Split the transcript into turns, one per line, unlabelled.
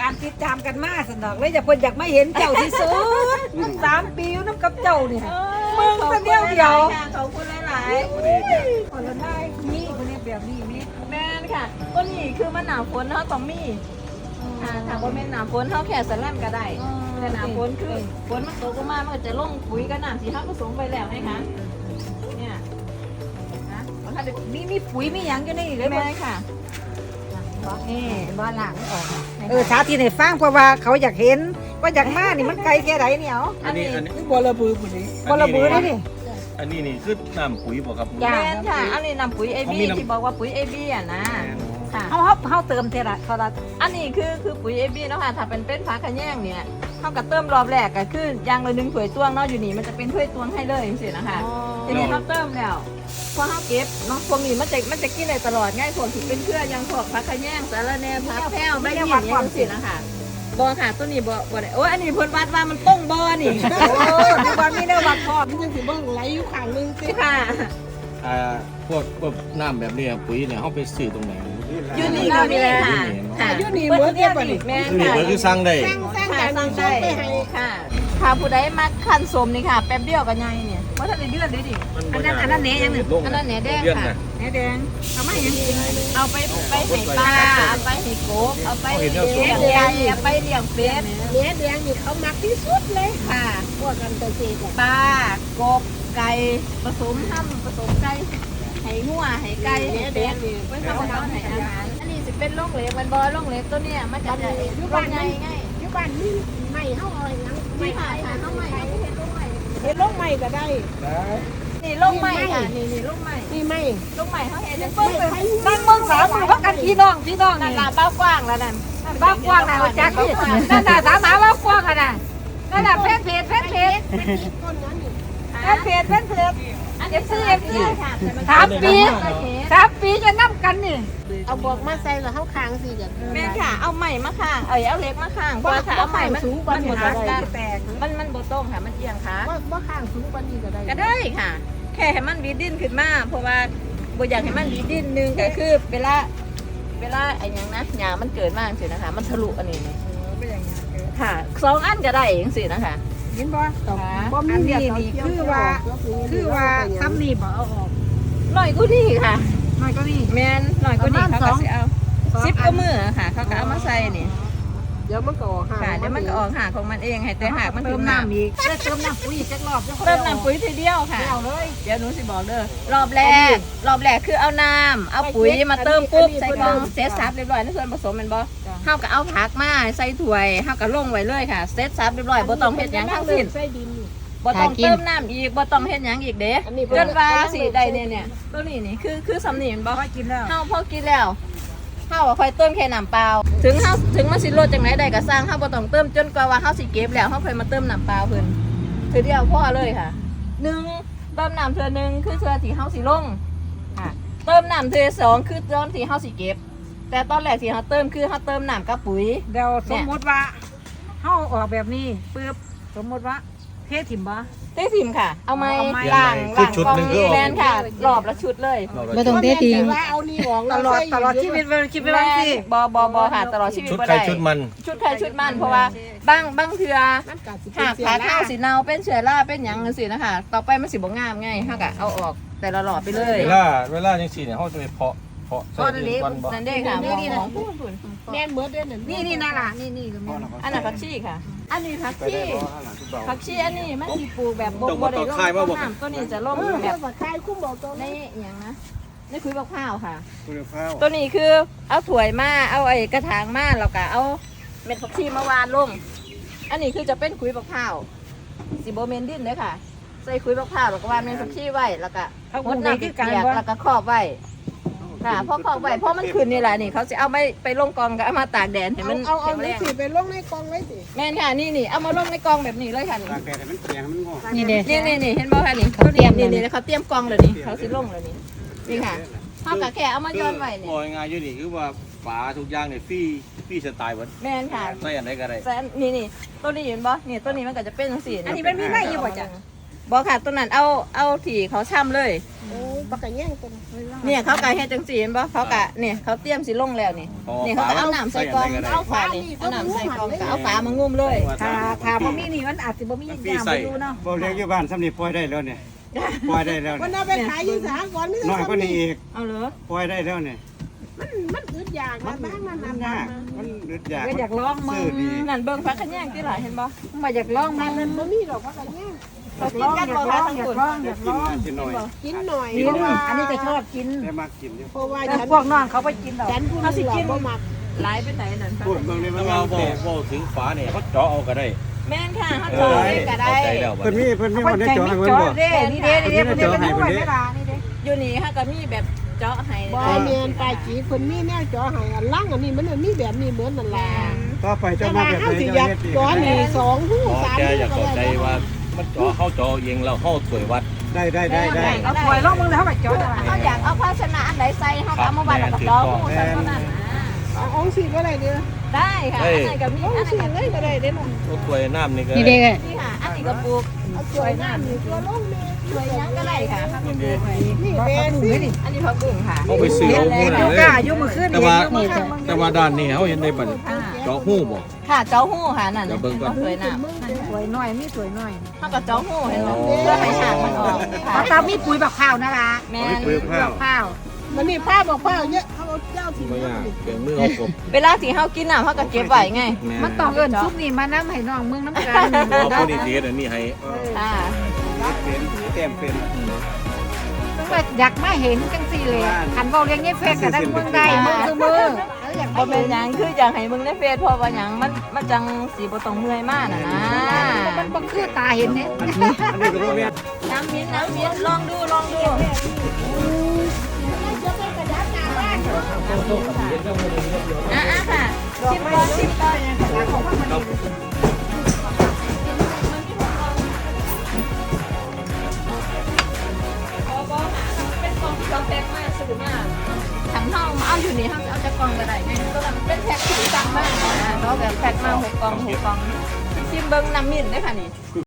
การติดตามกันมาสนอกเลยจะเพิ่นอยากไม่เห็นเจ้าที่สุด3 ปีอยู่น้ำกับเจ้านี่มึงแต่เดียว
ขอบคุณหลายๆ
คนละได้มีคนนี้แบบนี้มี
แม่นค่ะก็นี่คือมันหนาวฝนเขาต้องมีถ้าว่าแม่นหนาวฝนเขาแค่สแลมก็ได้แต่หนาวฝนคือฝนมันตกลงมามันก็จะลงปุ๋ยกับน้ำที่เขาผสมไปแล้วไงคะเนี่ยนะถ้าเด็ก
มีปุ๋ยมีหยังอยู่นี่เลย
แม่ค่ะ
นี่บ้านหลังออกสาธิตให้ฟังเพราะว่าเขาอยากเห็นว่าอยากมานี่มันไกลแค่ไหนเนี่ยเอา
อันนี้
บอระบือปุ๋ยบอระบือนี่ดิ
อันนี้นี่คือน้ำปุ๋ยบ่ครับ
แม่นค่ะอันนี้นำปุ๋ย AB ที่บอกว่าปุ๋ย AB อ่ะนะค่ะ
เขาเติมเท่าไหร่เขาละ
อันนี้คือปุ๋ย AB เนาะค่ะถ้าเป็นฟ้าขะแยงเนี่ยเขาก็เติมรอบแรกก็คือยางละ1 ถ้วยตวงเนาะอยู่นี่มันจะเป็นถ้วยตวงให้เลยสินะคะทีนี้เขาเติมแล้วพอเขาเก็บเนาะพวกนี้มันจะกินได้ตลอดง่ายพวกที่เป็นเครือยังพวกฟ้าขะแยงสาระแหน่ผักแพ้วไม่ได้หวานความสินะคะบอค่ะตัวนี้บอได้โอ้ยอันนี้เพิ่นวัดว่ามันต้องบอนี่
โอ้ในบ้านมีเนื้อวัดพอ
มันยังสิเบิ่งไหลอยู่ข้างนึงสิ
ค่ะ
พวกน้ำแบบนี้ปุ๋ยเนี่ยเขาไปซื้อตรงไหน
ยูนี่ก็มีค่ะค่ะ
อยู่นี่เหมือนเดียวกันนี่
แม่
นี่
ค่ะ
เปิดคือสั่งได้
สร้าง
ค่ะ
การ
สั่ง
ส่
ได้
งไปให้
ค่ะถ้าผู้ใดมาคันสมนี่ค่ะแป๊บเดียวก็ใหญ่เนี่ยว่าถ้าได้เดือนได้ดิ
อันนั้นเนยยังหนึ่ง
อันนั้นเนี่ยแดงค่ะ
เนยแดงทำไมยังกิน
เอาไปให้ปลาเอาไปให้กบเอาไปเลี้ยงไก่เอาไปเลี้ยงเป็ด
เนื้อแดงนี่เขามักที่สุดเลย
ค่ะ
พวกกันเกษตร
ปลากบไก่ผสมห้ำผสมไก่ให้งัวให้ไก่ให้เป็ดไว้ทำอาหารให้อาหารอันนี้จะเป็นโรงเหล็กมันบอโรงเหล็กตัวเนี้ยมันจะใหญ่โรงใหญ่ไง
อยู่บ้านนี่ไม่เฮาเอาหยัง
ไม่ค่ะต้องใหม่เอาไปเห็ดโรงใหม่
เฮ็ดลงใหม่ก็ได้
นี่โรงใหม่ค่ะนี่โรงใหม่
นี่ไม่
โรงใหม่เขาเห็ดจัง
นั่งเมืองสามมือพักกันพี่น้อง
นั่นละเบ้ากว้างแล้วนั่น
บ้ากว้างนะจักนี่นั่นน่ะสามหมาบ้ากว้างอ่ะนะนั่นน่ะเพจ
ต้นนั้นนี่
เพจ
อันนี้ซื้อค่ะ
3 ปีจะนั่กันนี่
เอาบอกมาใส่แล้วเฮาค้างสิกัน
แม่ค่ะเอาใหม่มาข้างเอาเล็กมาข้างเพราะถ้าเอาใหม่มันหมดกัน
แตก
มันโบต้งค่ะมันเอียงค่ะ
ว่าค้างสูงกว่านี้ก็ได้
ก็ได้ค่ะ แค่ให้มันวีดิ้นขึ้นมาเพราะว่าบ่อยากให้มันวีดิ้นนึงก็คือเวลาไอ้ยังนะหญ้ามันเกิดมากสินะคะมันทะลุอันนี้ค่ะ2 อันก็ได้เองสินะคะ
เห็นบ่อันนี้นี่คือว่าทำนี่บ่เอาออก
หน่อยก็ดีค่ะ
น้อยก็นี่
แมนหน่อยก็ดีเขาก็สิเอา10ก็มือค่ะเขาก็เอามาใส่นี่
เดี๋ยวมันก็ออก
ค่ะเดี๋ยวมันก็ออกหากของมันเองให้แต่หากมัน
เติ
ถึ
ม
ง
น้ำ
น้ำ
อีกเติมน้ำปุ๋ยจักรอบ
เติมน้ำปุ๋ยทีเดียวค่ะ
เอาเลย
เดี๋ยวหนูสิบอกเด้อรอบแรกคือเอาน้ำเอาปุ๋ยมาเติมปุ๊บใส่กล่องเซตซับเรียบร้อยในส่วนผสมแมันบ่เฮาก็เอาผักมาใส่ถ้วยเฮาก็ลงไว้เลยค่ะเซตซับเรียบร้อยบ่ต้องเฮ็ดหยังทั้งสิ้น
ใส่ดินนี่
บ่ต้องเติมน้ำอีกบ่ต้องเฮ็ดหยังอีกเด้
อันนี้
จนว่าสิได้เนี่ยตัวนี้นี่คือสำนีมันบ่
พอกินแล้ว
เฮาพอกินแล้วเฮาค่อยเติมแค่น้ำเปล่าถึงมันสิลดจังไหนได้ก็สร้างเฮาบ่ต้องเติมจนกว่าว่าเฮาสิเก็บแล้วเฮาค่อยมาเติมน้ำเปล่าเพิ่นคือเดียวพอเลยค่ะ1เติมน้ำเทื่อนึงคือเทื่อที่เฮาสิลงค่ะเติมน้ำเทื่อ2คือตอนที่เฮาสิเก็บแต่ตอนแรกที่เฮาเติมคือเฮาเติมน้ำกับปุ๋ย
เดี๋ยวสมมติว่าเฮาออกแบบนี้ปึ๊บสมมติว่าเทถิ่มบ่
เต้ทิมค่ะ เอาไม้
เอาไม้
ล้างกองนี้แมนค่ะรอบละชุดเลย
ไม่ต้องเททิ้งว่าเอานี่ออก
ตลอดชีวิตคิดไปบ้างสิ
บอค่ะตลอดชีวิต
ชุด
บ่
ใคร
ได้
ชุดมัน
ชุดใครชุดมันเพราะว่าบางเทือ
มันก็สิ
หากขาข้าวสีเนาเป็นเชื้อราเป็นหยังจังซี่นะคะต่อไปมันสิบ่งามไงเฮาก็เอาออกแต่ละหลอดไปเลย
เวลาจังซี่เนี่ยเขาจะไปเพาะใส่ดินก่อนบ่
นั่นเด้ค่ะของพูด
แม่นเหมือนเด้นั่น
นี่น่าล่ะนี่ก็มี
อันนั้นผักชีค่ะ อันนี้ผักชีอันนี้มันสิปลูกแบบบ่ได้ลงน้ำตัวนี้จะลง
แบ
แบบ บ
ว่าคายคุ้มบอกตรง
ใน
นี้
หยังนะนี่คือบักพร้าวค่ะ
คุณภาพ
ตัวนี้คือเอาถ้วยมาเอาไอ้กระถางมาแล้วก็เอาเม็ดผักชีมาวานลง อันนี้คือจะเป็นขุยบักพร้าวสิโบเมนดินเลยค่ะ ใส่ขุยบักพร้าวแล้วก็วานเม็ดผักชีไว้แล้วก็มดน้ำเปียกแล้วก็ครอบไว้ค่ะพอครอบไว้เพราะมันขึ้นนี่แหละนี่เขาจะเอาไปลงกองก็เอามาตากแดดเห็นมัน
เอา
แข็งแร
นี่
ง
สิไปลงในกองไว้สิ
แม่นค่ะนี่เอามาลงในกองแบบนี้เลยค่ะนี่
ตากแดดให้มันเปียกให้มันงอก
นี่เด้
นี่เห็นบ่ค่ะนี่เขาเตรียมนี่เขาเตรียมกองเลยนี่เขาสิลงเลยนี่ค่ะเขาก็แค่เอามาย้อนไว้นี่
โอ้ยง่ายอยู่นี่คือว่าฝาทุกอย่างเนี่ยฟรีสไตล์เบิด
แม่นค่ะ
ใส่อันใดก็ได้
แต่นี่ตัวนี้เห็นบ่นี่ตัวนี้มันก็จะเป็นจังซี่
อันนี้มันมีไม้อยู่บ่จ้ะ
บ่ค่ะตัวนั้นเอาถี่เขาช่ำเลย
โอ้ปากกะแย่งตัวนี้
เนี่ยเขาก็เฮ็ดจังซี่เห็นบ่เขาก็เนี่ยเขาเตรียมสิลงแล้วนี่นี่เขาก็เอาน้ำใส่กล่องเอาฝานี่เอาน้ำใส่กล่องก็เอาฝามางุ้มเลย
ถ้าบ่มีนี่มันอาจสิบ่มียามไปดูเนาะ
บ่เลี้ยงอยู่บ้านสำนีปล่อยได้แล้วเนี่ยปล่อยได้แล้ว
มัน
เนี่ย
เอาไปขายอยู่สหกรณ์นี่
น้อยกว่านี้อีก
เอาเหรอ
ปล่อยได้แล้วเนี่ย
มันอึดอยากนะบ้างมัน
มันยากมันอึดอยาก
ก็อยากลองมึ
ซื้อง ดี
นั่นเบิ่งฟ้าขะแยงที่หลายเห็นบ่
มาอยากลองมัน
มันบ่มีดอกปากกะแย่ง
เขากินกันบ่คะทั้งคน
ได้กินมาสิหน่อย
กินหน่อย
กินอันนี้ก็ชอบกิน
ได้มากกินอยู่
เพราะว่า
แต่
ฉัน
พวกน้องเขาไปกินดอก
ฉันผู้นึงเราบ่มัก
หลายไปไหนนั่นคะ
พูดเบิ่งนี่มั
แล้
น
ว
ว่า
เรา
แต่
บอกถึงฝาเนี่ยเขาเจาะเอาก็ได้
แม่นค่ะเขาจอยก็ได้
เข้าใจแล้วบัด
เพิ่นมี
นี้
เพิ่นมี
ค
คน นได้
ใจ
จอ
ไม่
ให้เพิ่น
จอ
บ่
เด้นี่เด้นี่เด้มันเป็นหน่วยเวลานี่เด้
อยู่นี่ค่ะก็มีแบบเจาะให้
บ่แม่นปลาจีคนมีแนวจ่อให้อันล่างอันนี้มันมีแบบนี้เหมือนนั่นล่ะ
ต่อไป
แต่
เจ้ามา
ว่า
แบบ
เฮา
ไหน
สิอาก
เจ้ายเฮ็ดดี
จ่อนี่2หู้
อ๋อ
3
แก
หู้
อยาก
ก็
เข้าใจ
ได้
ว่ามันเจาะเขาเจาะเองแล้วเขาถวยวัด
ได้
เอาถวยลงมึงแล้วเขาไปจอดอะไร
เขาอยากเอาภาชนะอันไหนใส่เขาก็เอามาไว้แล้วก็เจาะหูใส่เท่านั้น
เอาองค์สิก็ได้เด้อ
ได้ค่ะอันไหนก็มี
อง
อัน
ค์
ไหน
สิ
ก็
เลยก็ได้เด้อ
รถถวยน้ำนี่ก็
นี่เด้
นี่ค่ะอันนี้ก็ปลูก
เอาสวยน้ำนี่ตัวลงนี่
สวยยังก็ได้ค่ะครับ
นี่เด้
นี่เป็นสิ
อันนี้ผักบุ้งค่ะ
เอาไปซื้อเอาหู้
อ
นั่
ยู่
นเล
ก้าย อยู่มือขึ้น
แต่ว่าแต่ว่าด้านนี้เขาเห็นได้บัดเจาะหู้บ่
ค่ะเจ้าหู้ค่ะนั่น
เดี๋ยวเบิ่งก่อน
สวยน้ำ
สวยหน่อยมีสวยหน่อย
เขาก็เจ้าหู้เห็นไหมเพื่อให้หางมันออกค่ะ
เขาตามีปุ๋ยบักข้าวนะล่ะ
แม่
เอาไปปลูกข้าว
ข้าว
มันนี่ผ้าบอกผ้าเยอะเขาเอาเจ้าถิ่น
บ่
มาย
าก
นี่
เปลี่ยนมือเอากบ
เวลาที่เขากินน้ำเขาก็เก็บไว้ไง
มันต้องเอิ้นซุปนี่มาน้ำให้น้องมึงน้ำกัน
เอาเขาดีเทสอันนี้ให้
ค่ะ
เป็นแต้มเป็น
มึงว่าอยากมาเห็นจังสี่เลยคันเว้าเรียงนี้เฟซก็ได้มึงได้มือคือมืออยาก
บ่
มา
เป็
เห็
น
น
หยังคืออยากให้มึงได้เฟซเพราะว่าหยังมันจังสีบ่ต้องเมื่อยมากน่ะนะ
มันบ่คือตาเห็นเนี่ย
อันนี้ก็บ่แม่น
น้ำมิ้นลองดูอ่ะค่ะชิมก่อนเป็นกล่องที่เราแพ็คมาซื้อมาถังทองเอาอยู่นี่เอาจากกล่องก็ได้ไงตัวนั้นเป็นแพ็คที่สั่งมาเราแบบแพ็คมา6 กล่องชิมเบิ้งน้ำมิ้นได้ค่ะนี่